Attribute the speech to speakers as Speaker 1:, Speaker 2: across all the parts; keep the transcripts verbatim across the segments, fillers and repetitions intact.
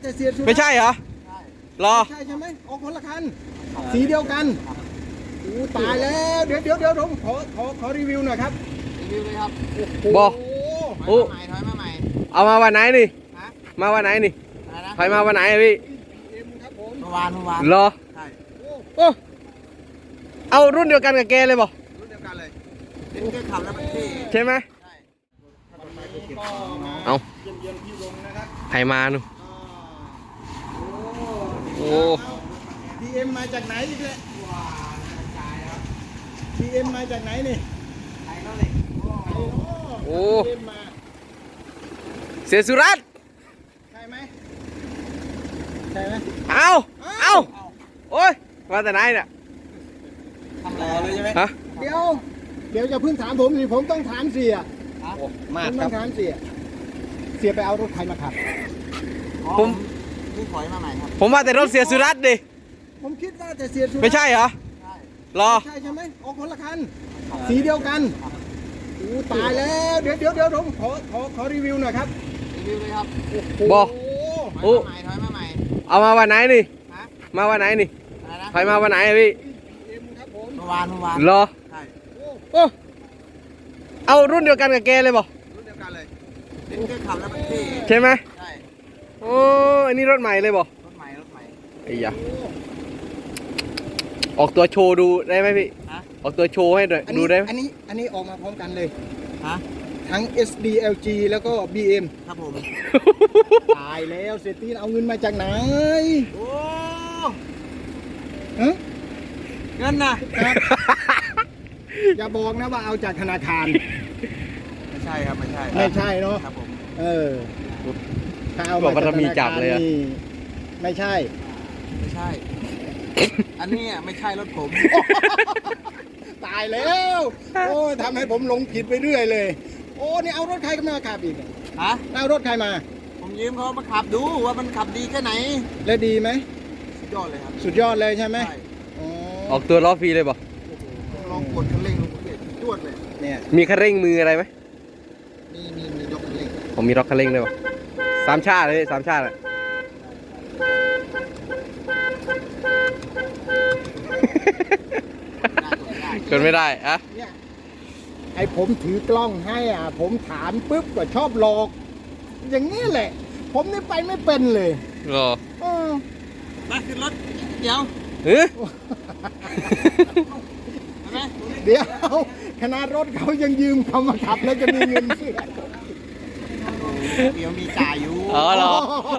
Speaker 1: แต่เสียสุด
Speaker 2: ไม่ใช่เหรอรอ
Speaker 1: ใช่ใช่ไหมออกคนละคันสีเดียวกันอู้ตายแล้วเดี๋ยวเดี๋ยวเดี๋ยวผมขอขอขอรีวิวหน่อยครับ
Speaker 3: รีวิวเลยครับ
Speaker 2: บอก
Speaker 3: โอ้ถอยมาใหม่
Speaker 2: เอามาวันไหนนี่มาวันไหนนี่ถอยมาวันไหนพี่
Speaker 3: เมื่อวานเมื่อวาน
Speaker 2: รอ
Speaker 3: ใช่
Speaker 2: โอ้เอารุ่นเดียวกันกับแกเลยบอก
Speaker 3: รุ่นเดียวกันเลยเป็นแค่ขับแล้วมันเท่
Speaker 2: ใช่ไหมเอาใครมาหนูโอ้
Speaker 1: พีเอ็มมาจากไหนอีกแล้วพีเอ็มมาจากไหนนี่
Speaker 2: โอ้เสียสุรัตน์
Speaker 1: ใช่ไหมใช่ไหม
Speaker 2: เอาเอาโอ้ยมาแต่ไหนเนี่ย
Speaker 3: ทำรอเลยใช่ไหม
Speaker 2: ฮะ
Speaker 1: เดี๋ยวเดี๋ยวจะพึ่งถามผมสิผมต้องถามเสีย
Speaker 2: มา
Speaker 1: ผมต้องถามเสียเสียไปเอารถใครมาขับ
Speaker 2: ผม
Speaker 3: นี่ถอยมาใหม่ครับ
Speaker 2: ผมมาแต่รถเสียสุรัตน์ดิ
Speaker 1: ผมคิดว่าแต่เสียสุรัตน์
Speaker 2: ไม่ใช่เหรอรอ
Speaker 1: ใช่ใช่ไหมออกคนละคันสีเดียวกันอู้ตายแล้วเดี๋ยวเดี๋ยวเดี๋ยวผมขอขอขอรีวิวหน่อยครับ
Speaker 3: รีวิวเลยครับ
Speaker 2: บอก
Speaker 3: โอ้ถอยมาใหม่
Speaker 2: เอามาวันไหนนี่มาวันไหนนี่ถอยมาวันไหนพี่
Speaker 3: เมื่อวานเมื่อวาน
Speaker 2: รอ
Speaker 3: ใช่
Speaker 2: โอ้เอารุ่นเดียวกันกับแกเลยบอก
Speaker 3: รุ่นเดียวกันเลยเป็นแค่ขับแล้วมันเท่
Speaker 2: ใช่ไหม
Speaker 3: ใช่
Speaker 2: โอ้อันนี้รถใหม่เลยบอก
Speaker 3: รถใหม่รถใหม่
Speaker 2: ไอ้ยาออกตัวโชว์ดูได้ไหมพี่ออกตัวโชว์ให้ดูได้ไหม
Speaker 1: อันนี้อันนี้ออกมาพร้อมกันเลย
Speaker 3: ฮะ
Speaker 1: ทั้ง เอส ดี แอล จี แล้วก็ บี เอ็ม
Speaker 3: ครับผม
Speaker 1: ตายแล้วเศรษฐีเอาเงินมาจากไหน
Speaker 3: โอ้
Speaker 1: ฮะ
Speaker 3: เงินนะ
Speaker 1: อย่าบอกนะว่าเอาจากธนาคาร
Speaker 3: ไม่ใช่ครับไม่ใช่
Speaker 1: ไม่ใช่เนาะ
Speaker 3: ครับผม
Speaker 1: เออถ้าเอา
Speaker 2: มาจากธนาคารนี่
Speaker 1: ไม่ใช่
Speaker 3: ไม่ใช่อันนี้ไม่ใช่รถผม
Speaker 1: ตายแล้วโอ้ทำให้ผมหลงผิดไปเรื่อยเลยโอ้นี่เอารถใครมาขับอีก
Speaker 3: ฮะ
Speaker 1: เอารถใครมา
Speaker 3: ผมยืมเขามาขับดูว่ามันขับดีแค่ไหน
Speaker 1: และดีไหม
Speaker 3: สุดยอดเลยครับ
Speaker 1: สุดยอดเลยใช่ไหม
Speaker 2: ออกตัวล้อฟรีเลยบอก
Speaker 3: ลองกดคันเร่งลงไปจวดเลย
Speaker 1: เนี่ย
Speaker 2: มีคันเร่งมืออะไรไหม
Speaker 3: มีมีมียกคันเร่ง
Speaker 2: ผมมีล็อกคันเร่งเลยบอกสามชาติเลยสามชาติเลยกดไม่ได้อะ
Speaker 1: เนี่ยไอผมถือกล้องให้อ่ะผมถามปุ๊บก็ชอบหลอกอย่างนี้แหละผมนี่ไปไม่เป็นเลย
Speaker 2: หรอ
Speaker 1: เออ
Speaker 3: มาขึ้นรถเดี๋ยว
Speaker 2: เฮ้ย
Speaker 1: เดี๋ยวขนาดรถเขายังยืมเขามาขับแล้วจะมีเงินซื้อ
Speaker 3: เดี๋ยวมีจ่ายอยู่
Speaker 2: อ๋อเหรอ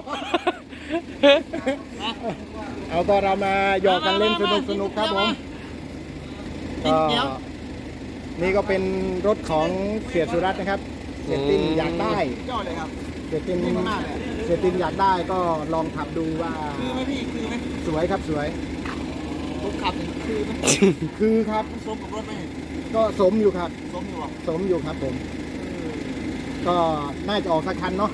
Speaker 1: เอาก็เรามาหยอกกันเล่นสนุกสนุกครับผมนี่ก็เป็นรถของเสียสุรัตน์นะครับเสียตินอยากได้
Speaker 3: ยอดเลยครับ
Speaker 1: เสียตินเสียตินอยากได้ก็ลองขับดูว่า
Speaker 3: คือไหมพี่คือไหม
Speaker 1: สวยครับสวย
Speaker 3: ผมขับคือไหม
Speaker 1: คือครับ
Speaker 3: สมกับรถไหม
Speaker 1: ก็สมอยู่ครับ
Speaker 3: สมอยู่
Speaker 1: สมอยู่ครับผมก็น่าจะออกสักคันเนาะ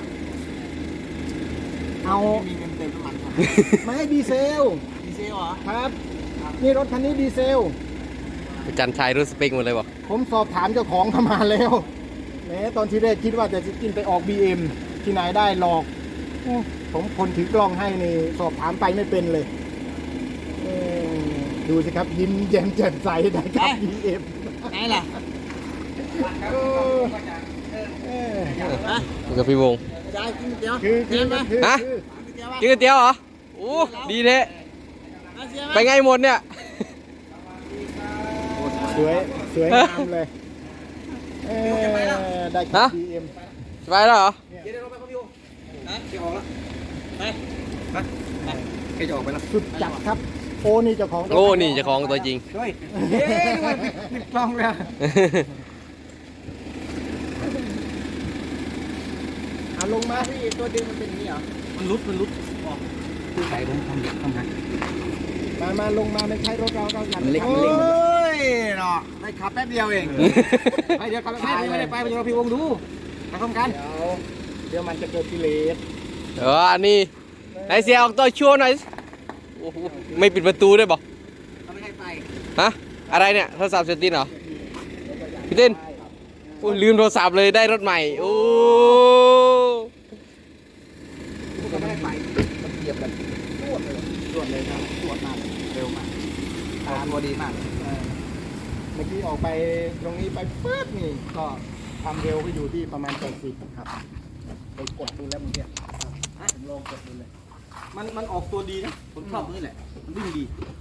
Speaker 1: เอา
Speaker 3: มีเงินเติมน้ำมันครับ
Speaker 1: ไม่ให้ดีเซล
Speaker 3: ดีเซลเหรอ
Speaker 1: ครับนี่รถคันนี้ดีเซล
Speaker 2: จันชัยรู้สเปคหมดเลยบอก
Speaker 1: ผมสอบถามเจ้าของเข้ามาแล้วแหมตอนที่แรกคิดว่าจะกินไปออก บี เอ็ม ที่ไหนได้หลอกผมคนถือกล้องให้นี่สอบถามไปไม่เป็นเลยดูสิครับยิ้มแย้มแจ่มใสได้ครับ บี เอ็ม
Speaker 3: ไหนล่ะ
Speaker 2: กับพี่วง
Speaker 3: จะกินเตี๋ยว
Speaker 1: คือคือ
Speaker 2: ฮะกินก๋วยเตี๋ยวเหรอโอ้ดีเทะไปไงหมดเนี่ย
Speaker 1: สวยสวยงามเลยได้ครับ บี เอ็ม
Speaker 2: ไปแล้วเหรอ
Speaker 3: เดี๋ยวเราไปครับพี่วงนะจะออกแล้วไปไปไปจะออกไปแล้ว
Speaker 1: สุดจัดครับโอ้นี่เจ้าของ
Speaker 2: โอ้นี่เจ้าของตัวจริง
Speaker 3: เฮ้ยเย้ปิดกล้องเลย
Speaker 1: เอาลงมาพี่ตัวดึงมันเป็นอย่างนี้เหรอ
Speaker 3: มันลุดมันลุดออกคือใส่ผมทำทำไง
Speaker 1: มามาลงมาไม่ใช่รถเราเราอยาก
Speaker 3: เล็กมันเล็กเฮ้ยเนาะได้ขับแป๊บเดียวเองไปเดี๋ยวขับแป๊บไม่ได้ไปไปเราพี่วงดูไปพร้อมกัน
Speaker 1: เดี๋ยวเดี๋ยวมันจะเกิดกิเลส
Speaker 2: เอออันนี้ไหนเสียออกตัวชัวร์หน่อยไม่ปิดประตูด้วยบอก
Speaker 3: ไม่ให้ไป
Speaker 2: ฮะอะไรเนี่ยโทรศัพท์เซตินเหรอพี่ตินลืมโทรศัพท์เลยได้รถใหม่โอ้
Speaker 3: ไม่ให้ไปเหยียบแบบรวดเลยรวดเลยครับรวดมากเลยเร็วมากทางตัวดีมากเลย
Speaker 1: เออเมื่อกี้ออกไปตรงนี้ไปปึ๊บนี่ก็ความเร็วก็อยู่ที่ประมาณแปดสิบครับไปกดดูแล้วเมื่อกี้ผมลองกดดูเลย
Speaker 3: มันมันออกตัวดีนะผมชอบนี่แหละมันวิ่งดี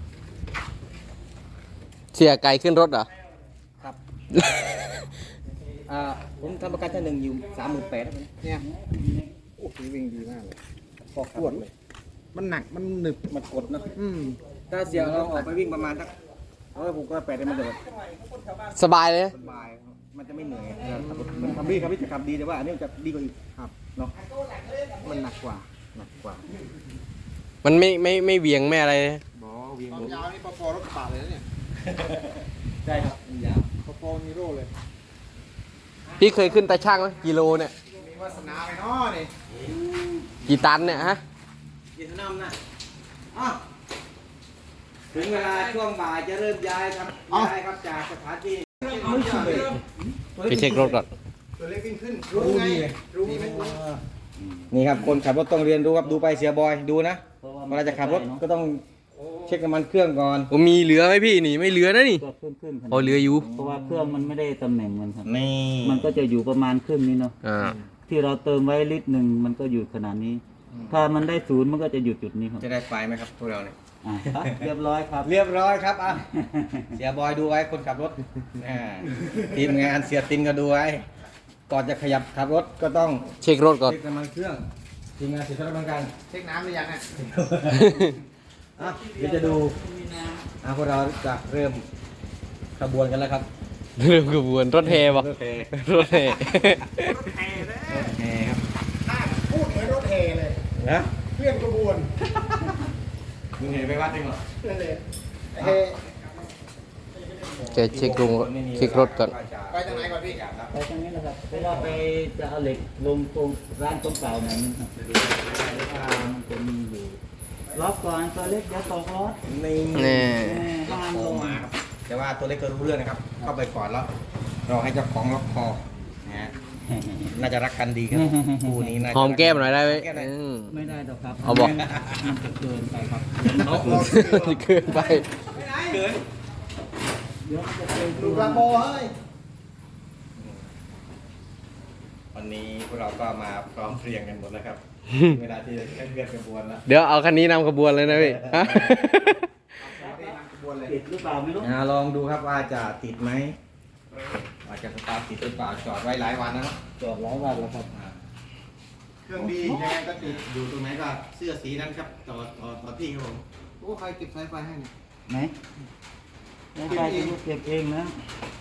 Speaker 2: เสียไก่ขึ้นรถเหรอ
Speaker 3: ครับอ่าผมทำประกันชั้นหนึ่งอยู่สามหมื่นแปดเนี่ย
Speaker 1: โอ้โหวิ่งดีมากเลยออกตรวจเลย มันหนักมันหนึบมันกดเนอะอืม
Speaker 3: ถ้าเสียเราออกไปวิ่งประมาณสักเออผมก็แปดได้มันจะแบบ
Speaker 2: สบายเลย
Speaker 3: สบายครับมันจะไม่เหนื่อยขับรถมันขับดีครับพี่จะขับดีแต่ว่าอันนี้มันจะดีกว่าอีกครับเนาะ
Speaker 1: มันหนักกว่าหนักกว่า
Speaker 2: มันไม่ไม่ไม่เหวียงไม่อะไรเลย
Speaker 3: บอวิ่ง
Speaker 1: ความยาวนี่พอๆรถกระบะเลยนะเนี่ย
Speaker 3: ใช่ครับยาว
Speaker 1: พอๆนีโร่เลย
Speaker 2: พี่เคยขึ้นตาช่างไหมกิโลเนี่ย
Speaker 1: มีวาสนาไปเนาะนี่
Speaker 2: กี่ตันเนี่ยฮะ
Speaker 3: ยินดีนำนะอ้าวถึงเวลาช่วงบ่ายจะเริ่มย้ายครับย้ายครับจากสถานที่
Speaker 1: ไม่ขึ้นเลย
Speaker 2: ไปเช็ครถก่อน
Speaker 1: ตัวเล็กวิ่งขึ้นรู้ไงรู้ไหม
Speaker 3: นี่ครับคนขับรถต้องเรียนรู้ครับดูไปเสียบอยดูนะเวลาจะขับรถก็ต้องเช็คน้ำมันเครื่องก่อน
Speaker 2: ผมมีเหลือไหมพี่นี่ไม่เหลือนะนี่
Speaker 4: ก็ขึ้นขึ้น
Speaker 2: พอเหลืออยู่
Speaker 4: เพราะว่าเครื่องมันไม่ได้ตำแหน่งมันครับ
Speaker 3: นี่
Speaker 4: มันก็จะอยู่ประมาณครึ่งนี้เนาะ
Speaker 2: อ่า
Speaker 4: ที่เราเติมไว้ลิตรหนึ่งมันก็อยู่ขนาดนี้ ถ้ามันได้ศูนย์มันก็จะอยู่จุดนี้ครับ
Speaker 3: จะได้ไฟไหมครับพวกเราเนี่ย
Speaker 4: อ่าเรียบร้อยครับ
Speaker 3: เรียบร้อยครับอ่ะเสียบอยดูไว้คนขับรถอ่าทีมงานเสียตินก็ดูไว้ก่อนจะขยับขับรถก็ต้อง
Speaker 2: เช็ครถก่อน
Speaker 3: เช็คน้ำมันเครื่องทีมงานเสียสละเหมือนกัน
Speaker 1: เช็คน้ำหรือยังอ่ะ
Speaker 3: อ่ะเดี๋ยวจะดูอ่ะพวกเราจะเริ่มขบวนกันแล้วครับ
Speaker 2: เริ่มกระบวนรถแห่ปะ
Speaker 3: รถแห่
Speaker 2: รถแห่
Speaker 3: รถแห่ครับ
Speaker 1: พูดเหมือนรถแห่เลย
Speaker 3: นะ
Speaker 1: เคลื่อนกระบวน
Speaker 3: มึงเห็นไปวัดจริงเหรอ
Speaker 1: นั่นเลยเฮ
Speaker 2: จะเช็คลงเช็ครถก่อน
Speaker 1: ไปทางไหนก่อนพี่
Speaker 4: ไปตรงนี้นะครับเพราะว่าไปจะเอาเหล็กลงตรงร้านตรงเก่าหน่อยนึงครับมันจะมีอยู่ล็อกก่อนตัวเล็กเดี๋ยวตกรถ
Speaker 3: นี่
Speaker 2: แน่
Speaker 3: ล็อกคอมาครับแต่ว่าตัวเล็กก็รู้เรื่องนะครับ เข้าไปก่อนแล้วรอให้เจ้าของล็อกคอนะฮะน่าจะรักกันดีครับคู่นี้น่าจะ
Speaker 2: หอมแก้มหน่อยได้ไหม
Speaker 3: หอแก้มหน่อย
Speaker 2: อืม
Speaker 4: ไม่ได้หรอกครับ
Speaker 2: เอาบอก
Speaker 4: มันจะเกินไปครับ
Speaker 3: เอา
Speaker 2: เกินไป
Speaker 3: เกิน
Speaker 4: เดี๋ยวมันจะเกิน
Speaker 1: ดูกระโปเฮ้ย
Speaker 3: วันนี้พวกเราก็มาพร้อมเพรียงกันหมดแล้วครับ เวลาที่จะเคลื่อนขบวนแล้ว
Speaker 2: เดี๋ยวเอาคันนี้นำขบวนเลยนะพี่ฮะ
Speaker 4: ติดหรือเปล่าไม่รู้
Speaker 3: อ่าลองดูครับว่าจะติดไหมว่าจะสตาร์ทติดหรือเปล่าจอดไว้หลายวันแล้วเนอะ
Speaker 4: จอดหลายวันแล้วครับ
Speaker 3: อ่าเครื่องดียังไงก็ติดอยู่ตรงไหนก็เสื้อสีนั้นครับต่อต่อต่อที่ครับผมโอ้ใครเก็บสายไฟให้เนี่ย
Speaker 4: ไหนไม่ใช่จะลูกเก็บเองนะ